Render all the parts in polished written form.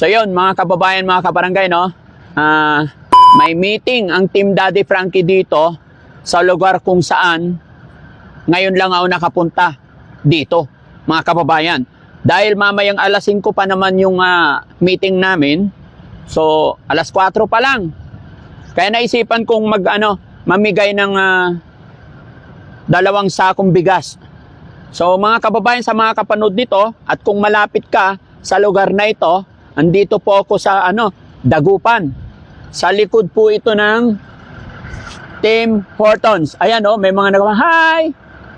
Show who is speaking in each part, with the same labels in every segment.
Speaker 1: So yun, mga kababayan, mga kabarangay, no? May meeting ang Team Daddy Frankie dito sa lugar kung saan ngayon lang ako nakapunta dito, mga kababayan. Dahil mamayang alas 5 pa naman yung meeting namin. So, alas 4 pa lang. Kaya naisipan kong mamigay ng 2 sakong bigas. So, mga kababayan, sa mga kapanood nito, at kung malapit ka sa lugar na ito, andito po ako sa Dagupan. Sa likod po ito ng Tim Hortons. Ayan, may mga hi!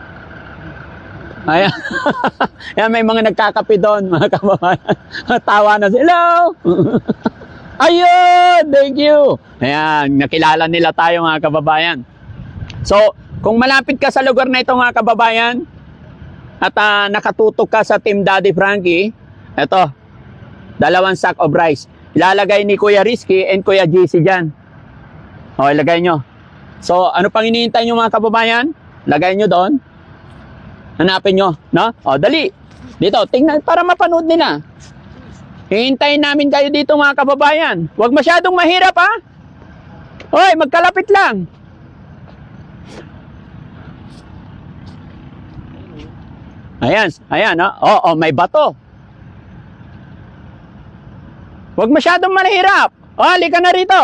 Speaker 1: Ayan. Ayan, may mga nagkakape doon, mga kababayan. Tawa na sila. Hello! Ayun! Thank you! Ayan, nakilala nila tayo, mga kababayan. So, kung malapit ka sa lugar na ito, mga kababayan, at nakatutok ka sa Team Daddy Frankie, eto, 2 sack of rice. Ilalagay ni Kuya Rizky and Kuya JC dyan. O, ilagay nyo. So, ano pang hinihintay nyo, mga kababayan? Lagay nyo doon. Hanapin nyo, no? O, dali. Dito, tingnan, para mapanood nila. Hihintayin namin kayo dito, mga kababayan. Huwag masyadong mahirap, ha? Hoy, magkalapit lang. Ayan, no? Oo, may bato. Huwag masyadong mahirap. O, halika na rito.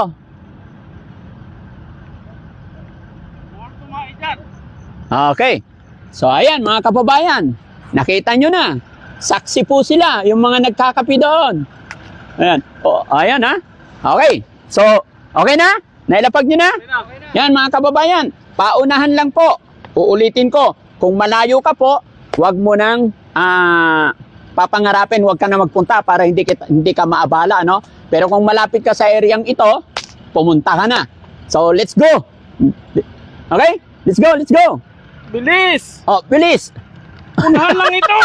Speaker 1: Okay. So, ayan, mga kababayan. Nakita nyo na. Saksi po sila, yung mga nagkakapi doon. Ayan. O, ayan, ha? Okay. So, okay na? Nailapag nyo na? Okay na. Yan, mga kababayan. Paunahan lang po. Uulitin ko. Kung malayo ka po, huwag mo nang papangarapin, huwag ka na magpunta para hindi ka maabala, no? Pero kung malapit ka sa areang ito, pumunta ka na. So, let's go. Okay? Let's go, let's go.
Speaker 2: Bilis!
Speaker 1: Oh, bilis.
Speaker 2: Unahan lang ito!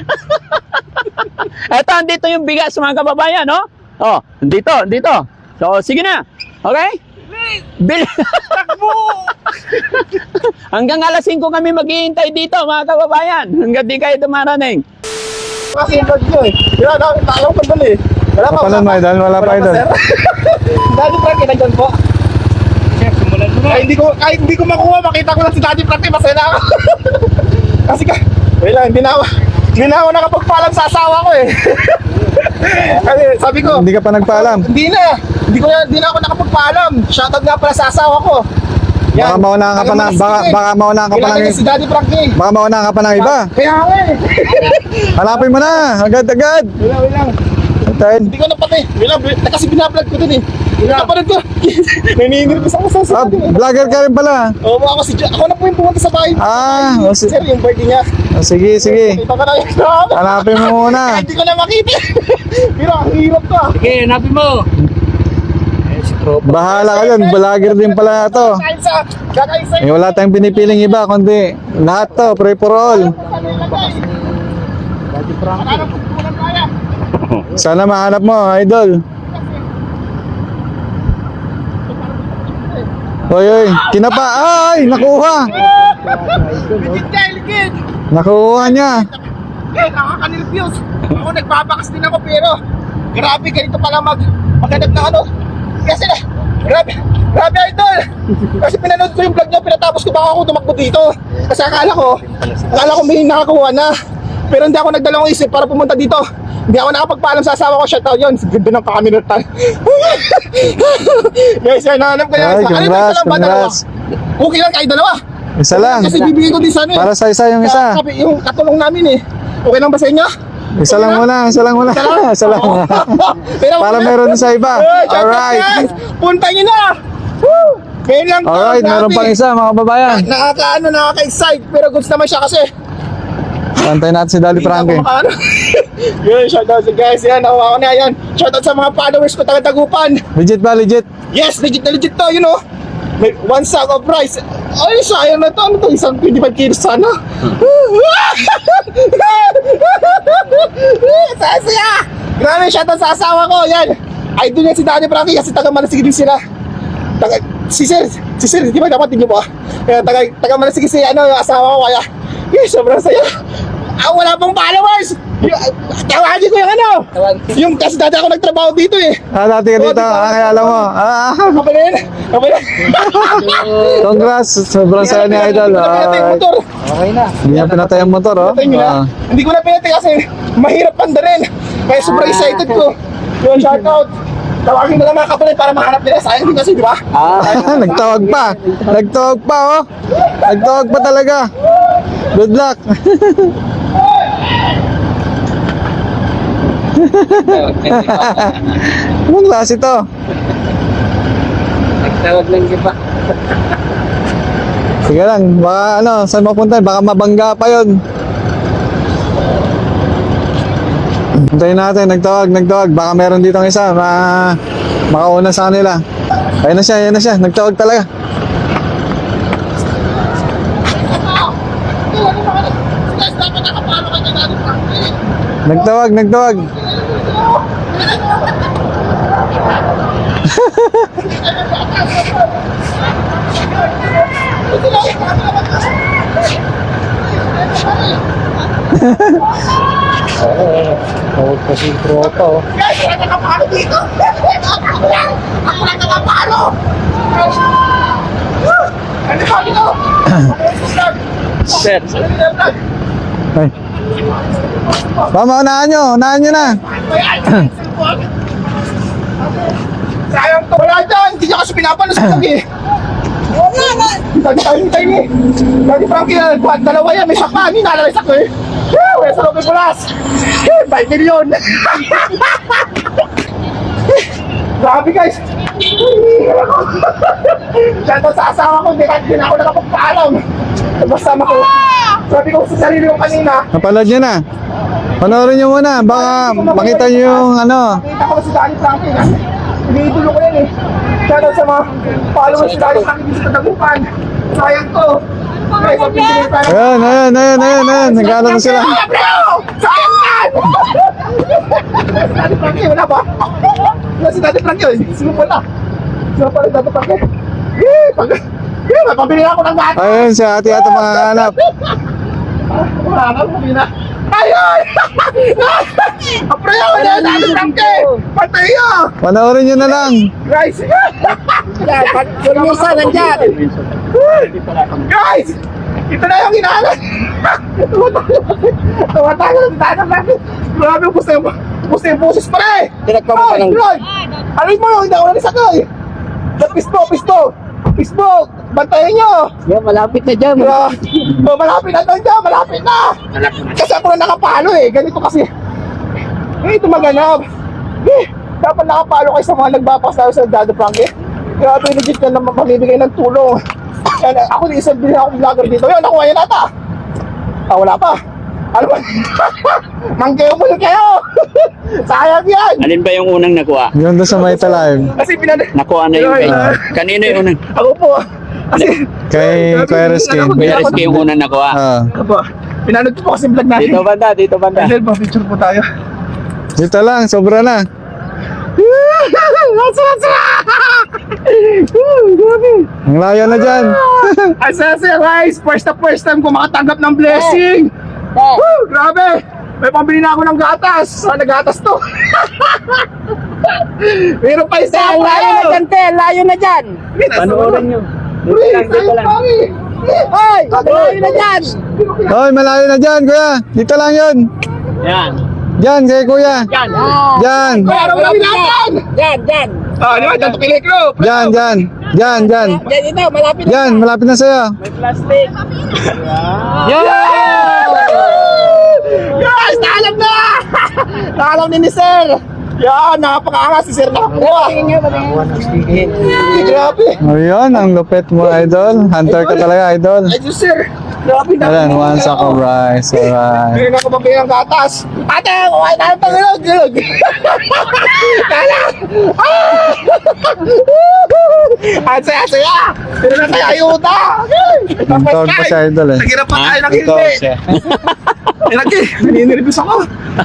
Speaker 1: Eto, andito yung bigas, mga kababayan, no? Oh, dito. So, sige na. Okay?
Speaker 2: Bilis!
Speaker 1: Bilis.
Speaker 2: Takbo!
Speaker 1: Hanggang alas 5 kami maghihintay dito, mga kababayan. Hanggang di kayo dumarating.
Speaker 2: Kasi yung bag nyo eh. Yun, alam ko dali. Wala pa.
Speaker 3: Kapalan mo, idol. Wala pa, idol.
Speaker 2: Daddy Frankie, nandiyan po. Chef, simulan mo na. Kahit hindi ko makuha, makita ko lang si Daddy Frankie, masaya na ako. Kasi wait lang, hindi na ako nakapagpaalam sa asawa ko eh. Kasi sabi ko,
Speaker 3: Hindi ka pa nagpaalam.
Speaker 2: Hindi na ako nakapagpaalam. Shoutout nga pala sa asawa ko.
Speaker 3: Baka maunahan ka pa ng baka maunahan ka pa ng
Speaker 2: si Daddy Frankie.
Speaker 3: baka maunahan ka pa ng iba.
Speaker 2: Kaya nga eh.
Speaker 3: Hanapin mo na, agad-agad.
Speaker 2: Wait lang.
Speaker 3: Tayo.
Speaker 2: Hindi ko napatay. Kasi binablog ko dun eh. Napanood ko. Naninirpis ako sa
Speaker 3: Vlogger ka rin pala.
Speaker 2: Oo, ako na po yung pumunta sa bahay. Sir, yung birthday niya.
Speaker 3: Sige.
Speaker 2: Kita ka na yung
Speaker 3: Hanapin mo muna.
Speaker 2: hindi ko na makita. Pero ang hirap ka.
Speaker 4: Sige, hanapin mo.
Speaker 3: Bahala ka dyan, vlogger din pala to.
Speaker 2: Kakain sa
Speaker 3: Wala tayong pinipiling iba, kundi lahat to, pray for all.
Speaker 2: Mananap po lang kaya.
Speaker 3: Sana mahanap mo, idol. Oy, kinapa. Ay, nakuha.
Speaker 2: Ligid.
Speaker 3: Nakuha niya.
Speaker 2: Nakakanilfuse. Ako nagbabakas din ako pero grabe ganito pala maghanap ng ano. Kasi grabe idol. Kasi pinanood ko yung vlog niya, pinatapos ko baka ako tumakbo dito. Kasi akala ko may nakakuha na. Pero hindi ako nagdalawang isip para pumunta dito. Hindi ako nakapagpaalam sa asawa ko, shoutout yun. Ganda ng kakaminurtan. Guys, yan, nahanap ko yan.
Speaker 3: Ay, congrats.
Speaker 2: Okay lang kayo dalawa.
Speaker 3: Isa lang.
Speaker 2: Kasi bibigyan ko din sana eh.
Speaker 3: Para sa isa yung isa.
Speaker 2: Yung katulong namin eh. Okay lang ba sa inyo?
Speaker 3: Isa lang muna. Isa lang.
Speaker 2: Pero
Speaker 3: Para meron sa iba. Alright.
Speaker 2: Punta nyo na! Woo! Ngayon lang to,
Speaker 3: Alright, meron pang isa mga babayan.
Speaker 2: Nakaka-excite. Pero goods naman siya kasi.
Speaker 3: Pantay natin si Daddy Frankie.
Speaker 2: Yun, shoutout sa guys. Yan, nakuha ko na yan. Shoutout sa mga followers ko taga-Dagupan.
Speaker 3: Legit ba? Legit?
Speaker 2: Yes, legit na legit to, you know. May 1 sack of rice. Ay, sayang na to. Ano to? Isang 25 kilos sana. Saya! Grabe, shoutout sa asawa ko. Yan. Idol yan si Daddy Frankie kasi taga-Malasigi din sila. Si Sir, di ba dapat din nyo po? Taga-Malasigi si yung asawa ko kaya. Yes, sobrang saya. Wala pang followers. Tawagin ko yung ano. Yung kasi dati ako nagtrabaho dito eh.
Speaker 3: Dati ka dito. Kaya alam mo.
Speaker 2: Kapalin.
Speaker 3: Congrats. Sobrang saya ni Idol.
Speaker 2: Pinatay yung motor.
Speaker 3: Hindi niya pinatay ang motor, oh.
Speaker 2: Pinatay nyo na. Hindi ko na pinatay kasi mahirap panda rin. Kaya sobrang excited ko. Yun, shout out. Tawagin mo lang mga kapalin para mahanap nila. Sayang din kasi, di ba?
Speaker 3: Nagtawag pa. Nagtawag pa, oh. Nagtawag pa talaga. Good luck. Anong klase to?
Speaker 4: Nagtawag lang siya pa.
Speaker 3: Sige lang, baka ano, saan mapunta? Baka mabangga pa yun. Hintayin natin, nagtawag. Baka meron ditong isa, makauna sa kanila. Ayun na siya, nagtawag talaga. Nagtawag.
Speaker 4: Tawag pa si tropa, oh.
Speaker 2: Guys, wala nakapalo dito! Ako lang nakapalo! Ano ba dito?
Speaker 4: Sir.
Speaker 3: Ay. Mama, unahan nyo na.
Speaker 2: Sayang to! Wala dyan! Hindi niya kasi pinapalusog eh! Hintay ni! Dati Frankie, dalawa yan, may sakpa! Hindi nalalaysak ko eh! Wala sa Lopez Pulas! 5 million! Grabe guys! Shoutout sa asawa ko, hindi na ako nakapagpaalam! Basta sabi ko sa sarili ko kanina,
Speaker 3: Napanood nyo na. Panoorin nyo muna. Baka makita nyo yung ano.
Speaker 2: nakita ko si Danny Frankie kasi iniidolo ko yan eh. Shoutout sa mga followers si Danny Frankie dito sa Dagupan. Sayang to! Guys, ang pinili tayo.
Speaker 3: Ayun. Nagkano na sila.
Speaker 2: Ah, bro! Sayang yan! Daddy Frankie, wala ba? Wala si Daddy Frankie, sino pala? Sino pala si Daddy Frankie? May pabili ako ng gato!
Speaker 3: Ayun, si ate makahanap.
Speaker 2: Wala ka, pabili na. Ayun! Ang pre, wala si Daddy Frankie! Patay yun!
Speaker 3: Panoorin nyo na lang.
Speaker 2: Guys!
Speaker 4: Misa nandyan.
Speaker 2: Guys! Ito na yung hinahanap! Tumatayo na si Daddy Frankie! Grabe, gusto yung boses pre!
Speaker 4: Tinagpa mo pa ng...
Speaker 2: Lloyd! Alin mo yung hindi ako nanisakay! Pisto! Bantayan nyo!
Speaker 4: Yan, malapit na dyan.
Speaker 2: Malapit na doon dyan! Malapit na! Kasi ako na nakapalo eh! Ganito kasi. Ito maganap! Dapat nakapalo kayo sa mga nagpapasayo sa Daddy Frankie. Grabe, legit na naman mamibigay ng tulong. Yan, ako din isang bilhin akong vlogger dito. Yan, nakuha yan ata! Wala pa! Ano ba? Manggayo mo kayo! Sayang yan!
Speaker 1: Alin ba yung unang nakuha?
Speaker 3: Yun doon sa Mayta Live.
Speaker 2: Kasi
Speaker 1: Nakuha na yung kanino yung unang?
Speaker 2: Ako po. Kasi
Speaker 3: Kay Rizky.
Speaker 1: Kuya Rizky yung unang nakuha.
Speaker 2: Ako, pinanood ko po kasi vlog natin.
Speaker 1: Dito banda.
Speaker 2: Dahil ba, picture po tayo.
Speaker 3: Dito lang, sobra na. Ang layo na dyan.
Speaker 2: Asase guys, first time ko makatanggap ng blessing. Woo, grabe. May pambili na ako ng gatas. Nagatas to. Meron pa isa ako ngayon.
Speaker 4: Layo na dyan.
Speaker 1: Panoorin nyo.
Speaker 2: Dito lang.
Speaker 4: Hoy, layo na dyan.
Speaker 3: Hoy, malayo na dyan, kuya. Dito lang yun.
Speaker 1: Yan.
Speaker 3: Dyan, kay kuya.
Speaker 1: Yan.
Speaker 3: Dyan.
Speaker 2: Meron kami natin.
Speaker 4: Dyan.
Speaker 2: Di ba? Dito kiliklo.
Speaker 3: Dyan.
Speaker 4: Dyan ito, malapit na.
Speaker 3: Dyan, malapit na sa'yo.
Speaker 1: Plastic.
Speaker 2: Guys, naalam na! Naalam ni Sir. Yan, napakaangas si Sir nakakuha. Grabe.
Speaker 3: O yun, ang lupit mo, idol. Hunter ka talaga, idol.
Speaker 2: Ay, Diyos, Sir. Grabe na.
Speaker 3: Ayan, one sack of rice. Alright.
Speaker 2: Hindi na ako mabili ng gatas. Ate, kumain tayo ng gilog. Kala! Ang saya-saya. Pero na tayo ayuda.
Speaker 3: Tawag pa si idol eh.
Speaker 2: Naghirap pa tayo ng hindi. Naniniribis ako.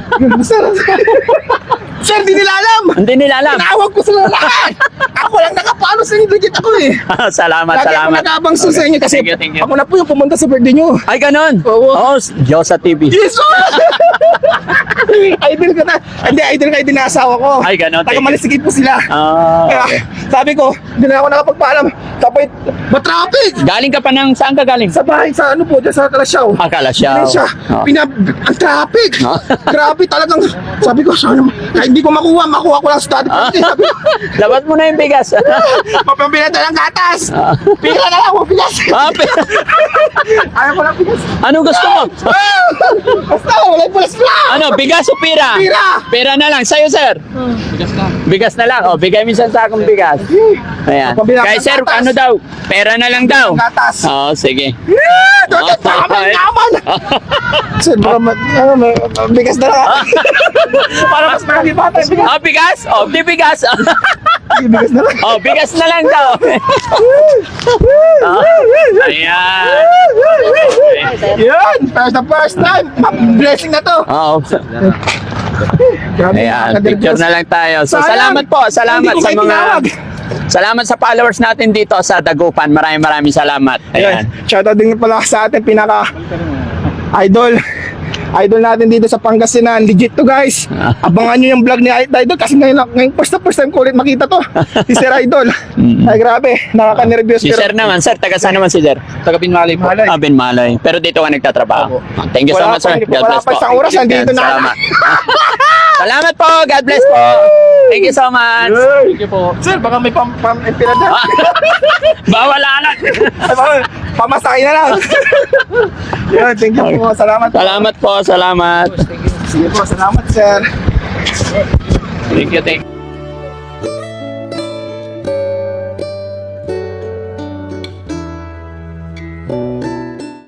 Speaker 2: Sir, di nila alam.
Speaker 1: Hindi nila alam.
Speaker 2: Tinawag ko sila lahat. Ako lang nakapalo sa inyo. Legit ako eh.
Speaker 1: Salamat.
Speaker 2: Lagi ako nag-abang sa inyo kasi
Speaker 1: Thank you.
Speaker 2: ako na po yung pumunta sa birthday nyo.
Speaker 1: Ay, ganun.
Speaker 2: Oo.
Speaker 1: Oo, Diyosa TV.
Speaker 2: Yes! Idol ko na. Hindi, idol ka din na asawa ko.
Speaker 1: Ay, ganon.
Speaker 2: Taga Malisigit po sila.
Speaker 1: Ah,
Speaker 2: Kaya,
Speaker 1: okay.
Speaker 2: sabi ko, hindi na ako nakapagpaalam. Tapos, matraffic!
Speaker 1: Galing ka pa saan ka galing?
Speaker 2: Sa bahay, sa ano po, dyan sa Kalasyaw.
Speaker 1: Akala siya.
Speaker 2: Siya,
Speaker 1: Oh.
Speaker 2: ang traffic.
Speaker 1: Oh.
Speaker 2: Grabe talagang, sabi ko, sana, kahit hindi ko makuha ko lang sa daddy
Speaker 1: Ah.
Speaker 2: Frankie. Sabi ko,
Speaker 1: Labas mo na yung bigas.
Speaker 2: mapambila na ng gatas. Pila na lang mo, bigas.
Speaker 1: Ah,
Speaker 2: Ayaw ko lang bigas.
Speaker 1: ano gusto mo?
Speaker 2: Basta, wala yung pulas lang.
Speaker 1: Ano, bigas o pira?
Speaker 2: Pira.
Speaker 1: Pira na lang. Sa'yo, sir? Bigas na lang. O, bigay mo isang sakong bigas. Ayan.
Speaker 2: Pambila
Speaker 1: Kaya
Speaker 2: ng
Speaker 1: sir,
Speaker 2: gatas.
Speaker 1: ano daw? Pera na lang daw.
Speaker 2: Gatas.
Speaker 1: Oo, sige.
Speaker 2: Doon, tama naman. Sir, baka may bigas na lang. Para mas marami pa tayo bigas.
Speaker 1: Oh, bigas? Oh, di bigas.
Speaker 2: Bigas na lang.
Speaker 1: Oh, bigas na lang daw. Oh, ayan.
Speaker 2: Yun, first time. Blessing na to.
Speaker 1: Oo.
Speaker 2: Grabe,
Speaker 1: Ayan,
Speaker 2: nakakadirbyos.
Speaker 1: picture na lang tayo. So,
Speaker 2: Sayang.
Speaker 1: salamat po. Salamat
Speaker 2: Hindi ko
Speaker 1: sa
Speaker 2: kayo
Speaker 1: mga...
Speaker 2: tinawag.
Speaker 1: Salamat sa followers natin dito sa Dagupan. Maraming salamat.
Speaker 2: Ayan.
Speaker 1: Ayan.
Speaker 2: Shoutout din pala sa ating pinaka idol. Idol natin dito sa Pangasinan. Legit to, guys. Abangan nyo yung vlog ni Idol kasi ngayon first time ko ulit makita to. Si Sir Idol. Ay, grabe. Nakaka-nervyos.
Speaker 1: Si Sir naman, sir, taga saan naman si Sir?
Speaker 5: Taga Binmalay po.
Speaker 2: Malay.
Speaker 1: Ah, Binmalay. Pero dito ka nagtatrabaho. Thank you so
Speaker 2: Wala
Speaker 1: much, sir.
Speaker 2: pa,
Speaker 1: God
Speaker 2: wala
Speaker 1: bless
Speaker 2: pa
Speaker 1: po.
Speaker 2: isang oras, nandito na.
Speaker 1: Salamat. Salamat po. God bless po. Thank you so much.
Speaker 5: Thank you po.
Speaker 2: Sir, baka may pam-empira dyan.
Speaker 1: Bawal alat.
Speaker 2: Ay, baka pamasakay na lang. Yun, thank you po. Salamat po.
Speaker 1: Salamat po. Salamat.
Speaker 2: Sige po, salamat, sir.
Speaker 1: Thank you.